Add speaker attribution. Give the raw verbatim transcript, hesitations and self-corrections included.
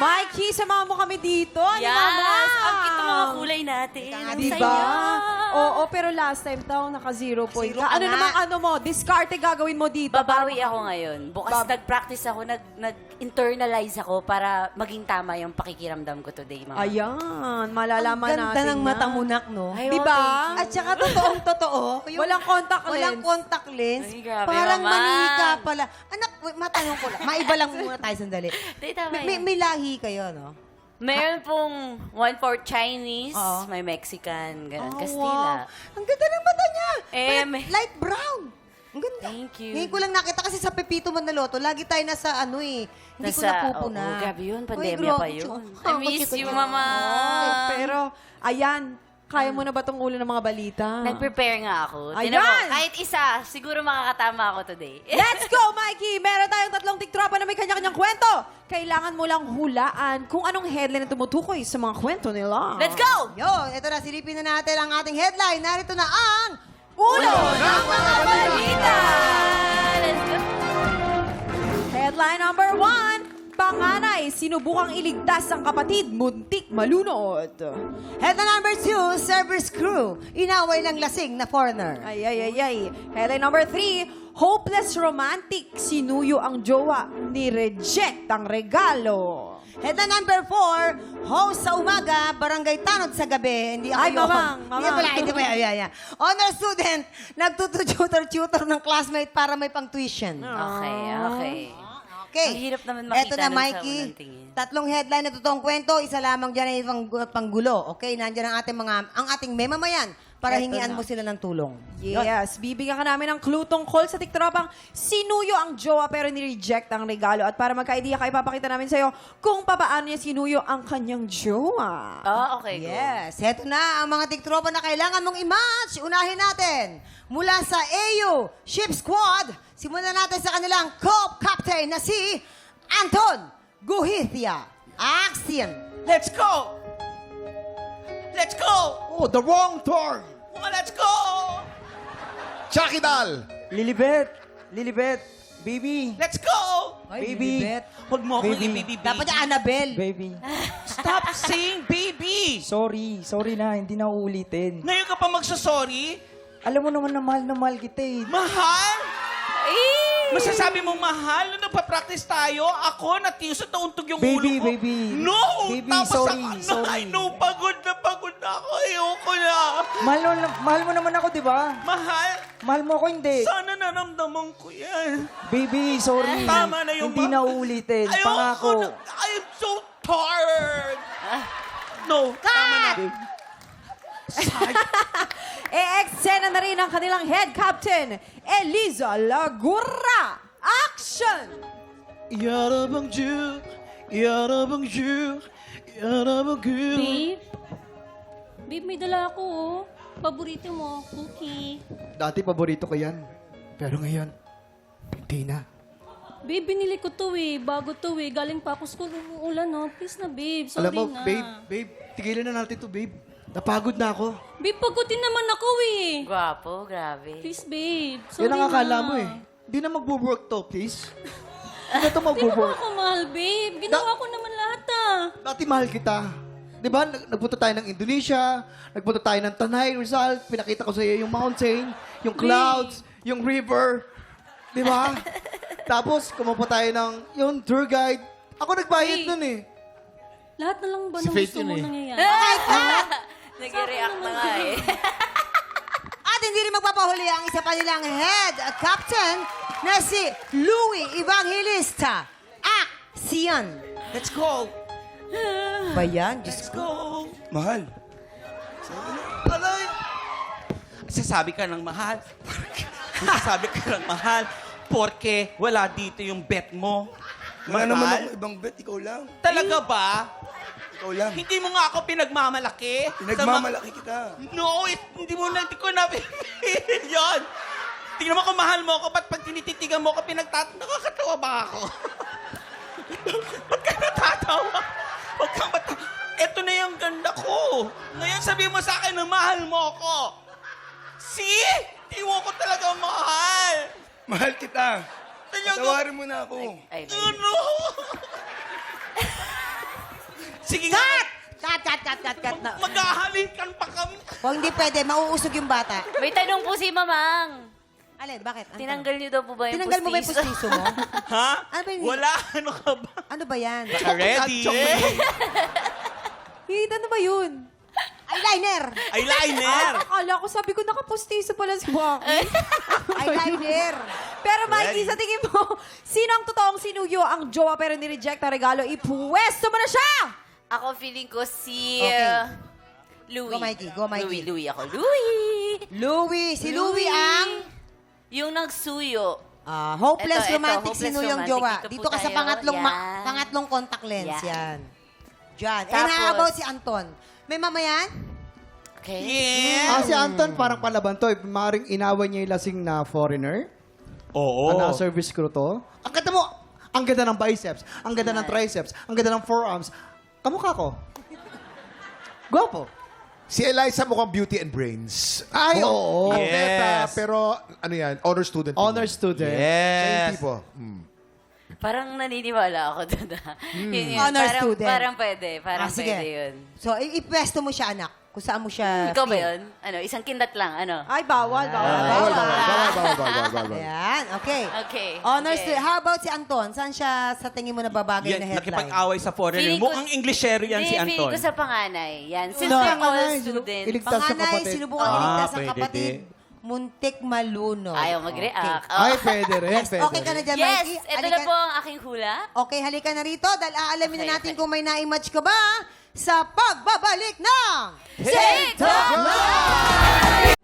Speaker 1: Mikey, samahan mo kami dito. Ano,
Speaker 2: Yes!
Speaker 1: Mama?
Speaker 2: Ang cute ng mga kulay natin. Ang
Speaker 1: Diba?
Speaker 2: saya.
Speaker 1: Oo, pero last time daw, naka-zero point
Speaker 3: Zero
Speaker 1: ka.
Speaker 3: ka
Speaker 1: Ano
Speaker 3: nga.
Speaker 1: naman, ano mo, diskarte gagawin mo dito?
Speaker 2: Babawi ako ngayon. Bukas
Speaker 1: Bab-
Speaker 2: nag-practice ako, nag, nag-internalize ako para maging tama yung pakikiramdam ko today, Mama.
Speaker 1: Ayan, malalaman
Speaker 3: Ganda
Speaker 1: natin
Speaker 3: ng
Speaker 1: yan.
Speaker 3: mata mo, nak, no?
Speaker 2: Ay,
Speaker 1: Diba?
Speaker 2: oh, thank you.
Speaker 3: At saka totoong totoo. yung
Speaker 1: Walang contact lens.
Speaker 3: Walang contact lens.
Speaker 2: Ay, grabe
Speaker 3: Parang
Speaker 2: naman.
Speaker 3: manika pala. Anak, wait, matanong ko lang. Maiba lang muna tayo sandali.
Speaker 2: Di, tama
Speaker 3: May, may,
Speaker 2: yun.
Speaker 3: may lahi kayo, no?
Speaker 2: Meron pong one for Chinese,
Speaker 3: Oo.
Speaker 2: may Mexican, ganun,
Speaker 3: Oh,
Speaker 2: Kastila.
Speaker 3: wow. Ang ganda ng mata niya.
Speaker 2: Eh,
Speaker 3: May-
Speaker 2: may-
Speaker 3: light brown. Ang ganda.
Speaker 2: Thank you.
Speaker 3: Ngayon ko lang nakita kasi sa Pepito Manaloto, lagi tayo nasa ano eh. Hindi ko
Speaker 2: Nasa-
Speaker 3: napupuna.
Speaker 2: oo, grabe yun.
Speaker 3: Uy,
Speaker 2: Pandemya
Speaker 3: grabe,
Speaker 2: pa yun.
Speaker 3: Chong.
Speaker 2: I miss
Speaker 3: Bakit
Speaker 2: you,
Speaker 3: ka-
Speaker 2: Mama.
Speaker 1: Ay, pero, ayan, kaya mo na ba itong ulo ng mga balita?
Speaker 2: Nag-prepare nga ako.
Speaker 1: Ayan!
Speaker 2: Tinan mo, kahit isa, siguro makakatama ako today.
Speaker 1: Let's go, Mikey! Meron tayong tatlong tiktropa na may kanya-kanyang kwento. Kailangan mo lang hulaan kung anong headline na tumutukoy sa mga kwento nila.
Speaker 2: Let's go!
Speaker 3: Yo, ito na, silipin na natin ang ating headline. Narito na ang
Speaker 1: Ulo ng mga balita!
Speaker 2: Let's go!
Speaker 1: Headline number one. Panganay, sinubukang iligtas ang kapatid, muntik malunod.
Speaker 3: Headline number two, server's crew. Inaway ng lasing na foreigner.
Speaker 1: Ay, ay, ay, ay. Headline number three, hopeless romantic, sinuyo ang jowa, ni-reject ang regalo.
Speaker 3: Headline number four, host sa umaga, barangay tanod sa gabi. Hindi ako
Speaker 1: Ay,
Speaker 3: yun.
Speaker 1: mamang,
Speaker 3: Hindi
Speaker 1: mamang.
Speaker 3: pala, hindi pala. Yeah, yeah. Honor student, nagtututor-tutor ng classmate para may pang tuition.
Speaker 2: Okay, okay.
Speaker 3: Okay.
Speaker 2: Ang hirap naman makita
Speaker 3: Eto na,
Speaker 2: nun sa
Speaker 3: Mikey.
Speaker 2: unang tingin.
Speaker 3: Tatlong headline na totoong kwento, isa lamang dyan ay pang, panggulo. Okay, nandiyan ang ating mga, ang ating memamayan para
Speaker 1: Eto
Speaker 3: hingian
Speaker 1: na.
Speaker 3: mo sila ng tulong. Yun.
Speaker 1: Yes, bibigyan ka namin ng clue tungkol sa tiktropang sinuyo ang jowa pero ni-reject ang regalo. At para magka-idea ka, ipapakita namin sa'yo kung papaano niya sinuyo ang kanyang jowa.
Speaker 2: Oh, okay, go.
Speaker 3: Yes, heto na ang mga tiktropa na kailangan mong i-match. Unahin natin. Mula sa A U Ship Squad, simulan natin sa kanilang co-captain na si Anton Guhithia. Action!
Speaker 4: Let's go! Let's go!
Speaker 5: Oh, the wrong turn!
Speaker 4: Oh, let's go!
Speaker 5: Chucky Dal!
Speaker 6: Lilibet! Lilibet! Baby!
Speaker 4: Let's go!
Speaker 3: Ay,
Speaker 6: Baby.
Speaker 3: Lilibet.
Speaker 4: Huwag mo akong
Speaker 6: Baby.
Speaker 4: ibibibig.
Speaker 3: Dapat yung Annabelle.
Speaker 6: Baby!
Speaker 4: Stop saying baby!
Speaker 6: Sorry. Sorry na. Hindi na uulitin.
Speaker 4: Ngayon ka pa magsasorry?
Speaker 6: Alam mo naman na mahal na mahal kita eh.
Speaker 4: Mahal?
Speaker 2: Eh!
Speaker 4: Masasabi mong mahal? Nung nagpa-practice tayo, ako natisot na untog yung
Speaker 6: Baby,
Speaker 4: ulo ko.
Speaker 6: baby.
Speaker 4: No!
Speaker 6: Baby,
Speaker 4: Tapos
Speaker 6: sorry,
Speaker 4: ako,
Speaker 6: sorry.
Speaker 4: I know, pagod na pagod na ako. Ayoko na.
Speaker 6: Mahal, mo, mahal mo naman ako, di ba?
Speaker 4: Mahal?
Speaker 6: Mahal mo ako, hindi.
Speaker 4: Sana naramdaman ko yan.
Speaker 6: Baby, sorry.
Speaker 4: Tama na yung
Speaker 6: Hindi
Speaker 4: ma-
Speaker 6: na uulitin.
Speaker 4: Ayoko
Speaker 6: Pangako.
Speaker 4: na. I'm so tired. No, tama na.
Speaker 1: E-eksena na rin ang kanilang head captain, Eliza Lagura. Action!
Speaker 4: Yarabang-ju, yarabang-ju, yarabang-ju.
Speaker 7: Babe? Babe, may dala ako, oh. Paborito mo, cookie.
Speaker 5: Dati paborito ko yan. Pero ngayon, hindi na.
Speaker 7: Babe, binili ko to eh. Bago to eh. Galing pa ako school. Umuulan, no? Please na, babe. Sorry
Speaker 5: Alam mo,
Speaker 7: na.
Speaker 5: babe, babe, tigilan na natin to, babe. Napagod na ako.
Speaker 7: Babe, pagutin naman ako eh.
Speaker 2: Gwapo, grabe.
Speaker 7: Please, babe. Sorry
Speaker 5: Yan ang akala
Speaker 7: na.
Speaker 5: mo eh. Hindi na magbo-work to, please. Hindi na to
Speaker 7: Di mo
Speaker 5: magbo-work.
Speaker 7: ako mahal, babe. Ginawa ko naman lahat ah.
Speaker 5: Dati mahal kita. Di ba? Nag- Nagpunta tayo ng Indonesia, nagpunta tayo ng Tanay, Rizal, pinakita ko sa iyo yung mountain, yung clouds, yung river. Di ba? Tapos, kumuha tayo ng yung tour guide. Ako nagbayad
Speaker 7: Hey.
Speaker 5: nun eh.
Speaker 7: Lahat na lang ba
Speaker 5: Si
Speaker 7: ng
Speaker 5: Faith
Speaker 7: gusto
Speaker 5: yun
Speaker 7: mo
Speaker 5: eh.
Speaker 7: nangyayari?
Speaker 2: Nag-react na nga eh.
Speaker 3: At hindi rin magpapahuli ang isa pa nilang head captain na si Louie Evangelista. Action!
Speaker 4: Let's go.
Speaker 3: Ba yan? Diyos
Speaker 4: Let's
Speaker 3: ko.
Speaker 4: go. Mahal. Alay. Sasabi ka ng mahal. Sasabi ka ng mahal. Porque wala dito yung bet mo.
Speaker 8: Wala
Speaker 4: Mahal?
Speaker 8: naman ako ibang bet, ikaw lang.
Speaker 4: Talaga ba?
Speaker 8: Ikaw lang.
Speaker 4: Hindi mo nga ako pinagmamalaki.
Speaker 8: Pinagmamalaki kita.
Speaker 4: Sa ma- no, it, hindi mo na, hindi ko na yun. Tingnan mo kung mahal mo ako, ba't pag tinititigan mo ako, pinagtat... Nakakatawa ba ako? Ba't ka natatawa? Huwag kang mata... Ito na yung ganda ko. Ngayon sabihin mo sa akin na mahal mo ako. See? Hindi mo ko talaga mahal.
Speaker 8: Mahal kita.
Speaker 4: Talaga.
Speaker 8: Tawarin mo na ako.
Speaker 2: Ay,
Speaker 4: Ano? Sige nga.
Speaker 3: Cut! Cut, cut, cut, cut, cut. Na.
Speaker 4: Maghahalikan pa kami.
Speaker 3: Kung hindi pwede, mauusog yung bata.
Speaker 2: May tanong po si Mamang.
Speaker 3: Alin, bakit? Anton?
Speaker 2: Tinanggal niyo daw po ba yung
Speaker 3: Tinanggal mo ba yung
Speaker 2: pustiso?
Speaker 3: pustiso mo?
Speaker 4: Ha?
Speaker 3: Ano ba yun?
Speaker 4: Wala. Ano ka ba?
Speaker 3: Ano ba yan?
Speaker 4: Ready?
Speaker 1: Hit, ano ba yun?
Speaker 3: Eyeliner!
Speaker 4: Eyeliner.
Speaker 1: Ah, akala ko, sabi ko, nakapustiso pala si Waki.
Speaker 3: Eyeliner!
Speaker 1: Pero Mikey,
Speaker 4: Ready?
Speaker 1: sa tingin mo, sino ang totoong sinuyo ang jowa pero nireject ang regalo? Ipwesto mo na siya!
Speaker 2: Ako feeling ko si
Speaker 3: Okay.
Speaker 2: uh, Louie.
Speaker 3: Go, Mikey. Go, Mikey.
Speaker 2: Louie, Louie ako. Louie!
Speaker 3: Louie! Si Louie ang
Speaker 2: Yung nagsuyo.
Speaker 3: ah, hopeless
Speaker 2: Ito, ito,
Speaker 3: romantic
Speaker 2: hopeless
Speaker 3: sinuyong
Speaker 2: romantic.
Speaker 3: jowa.
Speaker 2: Dito po
Speaker 3: Dito ka sa
Speaker 2: tayo.
Speaker 3: pangatlong, ma-
Speaker 2: Yan.
Speaker 3: pangatlong contact lens.
Speaker 2: Yan.
Speaker 3: Yan. Diyan. And
Speaker 2: Tapos-
Speaker 3: how about si Anton? May mamayan?
Speaker 2: Okay?
Speaker 4: Yeah.
Speaker 5: Ah, si Anton parang palaban to. Eh. Maring inawan niya yung lasing na foreigner.
Speaker 4: Oo.
Speaker 5: Ano, service crew to. Ang ganda mo! Ang ganda ng biceps. Ang ganda ng triceps. Ang ganda ng forearms. Kamukha ko. Gwapo.
Speaker 9: Si Eliza mukhang beauty and brains.
Speaker 5: Ay, oo.
Speaker 9: Atleta,
Speaker 4: Yes.
Speaker 9: pero ano yan, honor student.
Speaker 5: Honor student.
Speaker 9: Siya yung
Speaker 4: Yes.
Speaker 9: tipo. Hmm.
Speaker 2: Parang naniniwala ako doon. ah. Yun yun.
Speaker 3: Honor
Speaker 2: parang,
Speaker 3: student.
Speaker 2: Parang pwede. Parang
Speaker 3: Ah, sige.
Speaker 2: pwede yun.
Speaker 3: So, i- ipwesto mo siya, anak. Kung saan mo siya...
Speaker 2: Ikaw ba
Speaker 3: feel.
Speaker 2: yun? Ano, isang kindat lang. Ano?
Speaker 1: Ay, bawal, bawal.
Speaker 9: Bawal, bawal, bawal, bawal, bawal, bawal, bawal.
Speaker 3: Ayan, okay.
Speaker 2: Okay.
Speaker 3: Honor
Speaker 2: okay.
Speaker 3: student. How about si Anton? Saan siya sa tingin mo na babagay na
Speaker 4: Yan,
Speaker 3: headline?
Speaker 4: nakipag-away sa foreigner.
Speaker 2: Feeling ko-
Speaker 4: Mukhang Englishero yan si
Speaker 2: Hindi, feeling
Speaker 4: Anton.
Speaker 2: ko sa panganay. Yan. Since
Speaker 5: No.
Speaker 2: they're all
Speaker 5: Panganay,
Speaker 2: student.
Speaker 5: iligtas sa
Speaker 3: Panganay,
Speaker 5: kapatid.
Speaker 3: sinubukan
Speaker 4: Ah,
Speaker 3: iligtas ang
Speaker 4: pwede
Speaker 3: kapatid.
Speaker 4: din.
Speaker 3: Muntik malunod.
Speaker 2: Ayaw mag-react. Oh.
Speaker 5: Ay, pwede rin.
Speaker 3: Yes,
Speaker 5: Pwede
Speaker 3: okay ka na
Speaker 5: rin.
Speaker 3: dyan,
Speaker 2: Yes!
Speaker 3: Mikey?
Speaker 2: Ito
Speaker 3: Halika-
Speaker 2: na po ang aking hula.
Speaker 3: Okay, halika na rito dahil aalamin
Speaker 2: Okay,
Speaker 3: na natin
Speaker 2: okay.
Speaker 3: kung may na-match ka ba sa pagbabalik ng
Speaker 2: TikTok Live!